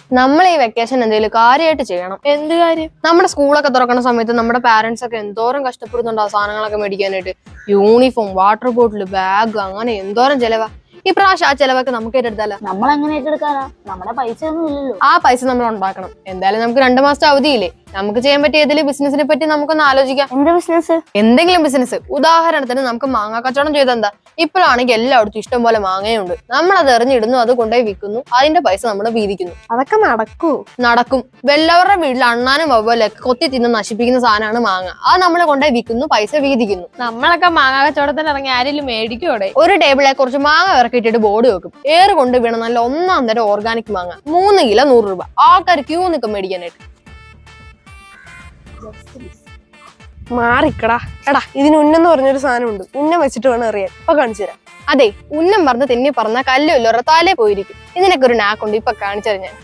നമ്മൾ ഈ വെക്കേഷൻ എന്തെങ്കിലും കാര്യമായിട്ട് ചെയ്യണം. എന്ത് കാര്യം? നമ്മുടെ സ്കൂളൊക്കെ തുറക്കുന്ന സമയത്ത് നമ്മുടെ പാരന്റ്സ് ഒക്കെ എന്തോരം കഷ്ടപ്പെടുന്നുണ്ട് ആ സാധനങ്ങളൊക്കെ മേടിക്കാനായിട്ട്. യൂണിഫോം, വാട്ടർ ബോട്ടിൽ, ബാഗ്, അങ്ങനെ എന്തോരം ചെലവാ. ഈ പ്രാവശ്യം ആ ചെലവൊക്കെ നമുക്ക് ഏറ്റെടുത്താലോ? നമ്മൾ എങ്ങനെ ഏറ്റെടുക്കാനാ? നമ്മുടെ പൈസ ഒന്നും ഇല്ലല്ലോ. ആ പൈസ നമ്മൾ ഉണ്ടാക്കണം. എന്തായാലും നമുക്ക് 2 മാസത്തെ അവധിയില്ലേ, നമുക്ക് ചെയ്യാൻ പറ്റിയ ഏതെങ്കിലും ബിസിനസിനെ പറ്റി നമുക്കൊന്ന് ആലോചിക്കാം. എന്ത് ബിസിനസ്? എന്തെങ്കിലും ബിസിനസ്. ഉദാഹരണത്തിന് നമുക്ക് മാങ്ങ കച്ചവടം ചെയ്തെന്താ? ഇപ്പോഴാണെങ്കിൽ എല്ലായിടത്തും ഇഷ്ടം പോലെ മാങ്ങയുണ്ട്. നമ്മൾ അത് എറിഞ്ഞിടുന്നു, അത് കൊണ്ടുപോയി വിൽക്കുന്നു, അതിന്റെ പൈസ നമ്മൾ വീതിക്കുന്നു. അതൊക്കെ നടക്കും. വെല്ലവരുടെ വീട്ടിൽ അണ്ണാനും വവ്വലൊക്കെ കൊത്തി തിന്ന് നശിപ്പിക്കുന്ന സാധനമാണ് മാങ്ങ. അത് നമ്മൾ കൊണ്ടുപോയി വിൽക്കുന്നു, പൈസ വീതിക്കുന്നു. നമ്മളൊക്കെ മാങ്ങ കച്ചവടത്തിന് ഇറങ്ങി ആരെങ്കിലും മേടിക്കൂടെ? ഒരു ടേബിളെ കുറച്ച് മാങ്ങ ഇറക്കിയിട്ടിട്ട് ബോർഡ് വെക്കും. ഏറ് കൊണ്ട് വീണ നല്ല 1-ാം തരം ഓർഗാനിക് മാങ്ങ, 3 കിലോ 100 രൂപ. ആൾക്കാർ ക്യൂ നിൽക്കും മേടിക്കാനായിട്ട്. മാറിക്കടാ. എടാ, ഇതിന് ഉന്നെന്ന് പറഞ്ഞൊരു സാധനം ഉണ്ട്. ഉന്നം വെച്ചിട്ട് വേണം അറിയാൻ. ഇപ്പൊ കാണിച്ചു തരാം. അതെ, ഉന്നം പറഞ്ഞ് തെന്നി പറഞ്ഞ കല്ലുമില്ല തലേ പോയിരിക്കും. ഇതിനൊക്കെ ഒരു നാക്കുണ്ട്. ഇപ്പൊ കാണിച്ചു ഞാൻ.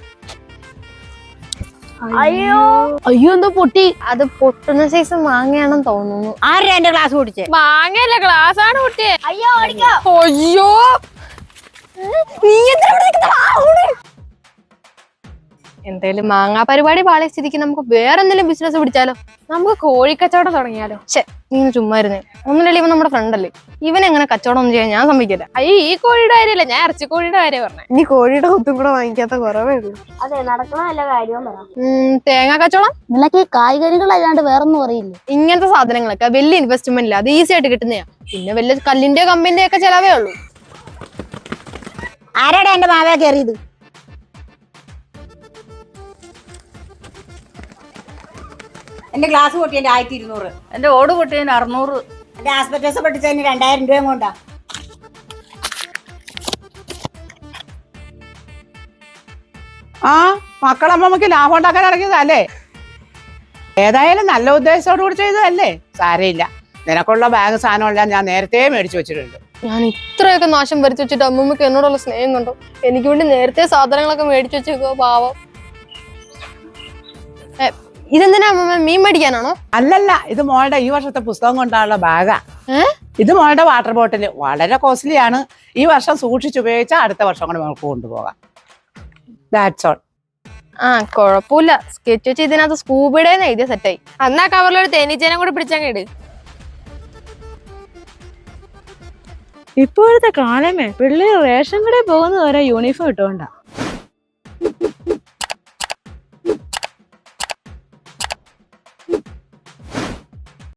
അയ്യോ എന്തോ പൊട്ടി. അത് പൊട്ടുന്ന സൈസ് മാങ്ങയാണെന്ന് തോന്നുന്നു. ആരാ എന്റെ ഗ്ലാസ് പൊട്ടിച്ചേ? മാങ്ങയല്ല, ഗ്ലാസ് ആണ് പൊട്ടിയേ. അയ്യോ ഓടിക്കോ. അയ്യോ, നീ എന്തായാലും മാങ്ങാ പരിപാടി പാളിയ സ്ഥിതിക്ക് നമുക്ക് വേറെ എന്തെങ്കിലും ബിസിനസ് പിടിച്ചാലോ? നമുക്ക് കോഴിക്കച്ചവടം തുടങ്ങിയാലോ? നീ ചുമ്മാ ഇരുന്നേ. ഒന്നിനല്ലേ, ഇവൻ നമ്മുടെ ഫ്രണ്ടല്ലേ. ഇവനെങ്ങനെ കച്ചവടം ഒന്നും ചെയ്യാൻ ഞാൻ സമ്മതിക്കില്ല. അയ്യോ, ഈ കോഴിയുടെ കാര്യമല്ല, ഞാൻ ഇറച്ചിക്കോഴിയുടെ കാര്യം പറഞ്ഞേ. ഇനി കോഴിയുടെ കുത്തും കൂടെ വാങ്ങിക്കാത്ത കുറവേ ഉള്ളൂ. അതെ, നടക്കണ നല്ല കാര്യം പറ. തേങ്ങാ കച്ചവടം. നിനക്ക് കായ്കറികളല്ലാണ്ട് വേറൊന്നും അറിയില്ല. ഇങ്ങനത്തെ സാധനങ്ങളൊക്കെ വലിയ ഇൻവെസ്റ്റ്മെന്റ് ഇല്ല, അത് ഈസി ആയിട്ട് കിട്ടുന്നതാ. പിന്നെ വലിയ കല്ലിന്റെ കമ്പിന്റെ ഒക്കെ ചെലവേ ഉള്ളൂ. ആരാടാ എന്റെ മാവേ കയറിയത്? എന്റെ ഗ്ലാസ് പൊട്ടിയതിന്റെ 1200, എന്റെ ഓട് പൊട്ടിയതിന് 600, എന്റെ ആസ്പെറ്റോസ് പൊട്ടിച്ചതിന് 2000 രൂപയും കൊണ്ടാ. ആ മക്കളമ്മമ്മക്ക് ലാഭം ഉണ്ടാക്കാൻ ഇറങ്ങിയതല്ലേ? ഏതായാലും നല്ല ഉദ്ദേശത്തോടു കൂടി ചെയ്തതല്ലേ? സാരയില്ല, നിനക്കുള്ള ബാഗ് സാധനമെല്ലാം ഞാൻ നേരത്തെ മേടിച്ചു വെച്ചിട്ടുണ്ട്. ഞാൻ ഇത്രയൊക്കെ നാശം വരുത്തി വെച്ചിട്ട് അമ്മമ്മക്ക് എന്നോടുള്ള സ്നേഹം കണ്ടോ? എനിക്ക് വേണ്ടി നേരത്തെ സാധനങ്ങളൊക്കെ മേടിച്ചു വെച്ചേക്കോ പാവം. ഇതെന്തിനാ അമ്മമ്മ, മീൻ മേടിക്കാനാണോ? അല്ലല്ല, ഇത് മോളുടെ ഈ വർഷത്തെ പുസ്തകം കൊണ്ടാണുള്ള ബാഗാ. ഇത് മോളുടെ വാട്ടർ ബോട്ടിൽ വളരെ കോസ്റ്റ്ലി ആണ്. ഈ വർഷം സൂക്ഷിച്ചുപയോഗിച്ചാൽ അടുത്ത വർഷം കൂടെ നമുക്ക് കൊണ്ടുപോകാം. That's all. കുഴപ്പമില്ല. സ്കെച്ച് വെച്ച് ഇതിനകത്ത് സ്കൂബിയുടെ എഴുതിയ സെറ്റായി. അന്നാ കവറിലൊരു തേനീച്ചേനെ കൂടെ പിടിച്ചങ്ങ്. ഇപ്പോഴത്തെ കാലമേ പിള്ളേർ റേഷൻ കടയിൽ പോകുന്നത് വരെ യൂണിഫോം ഇട്ടുകൊണ്ടാ.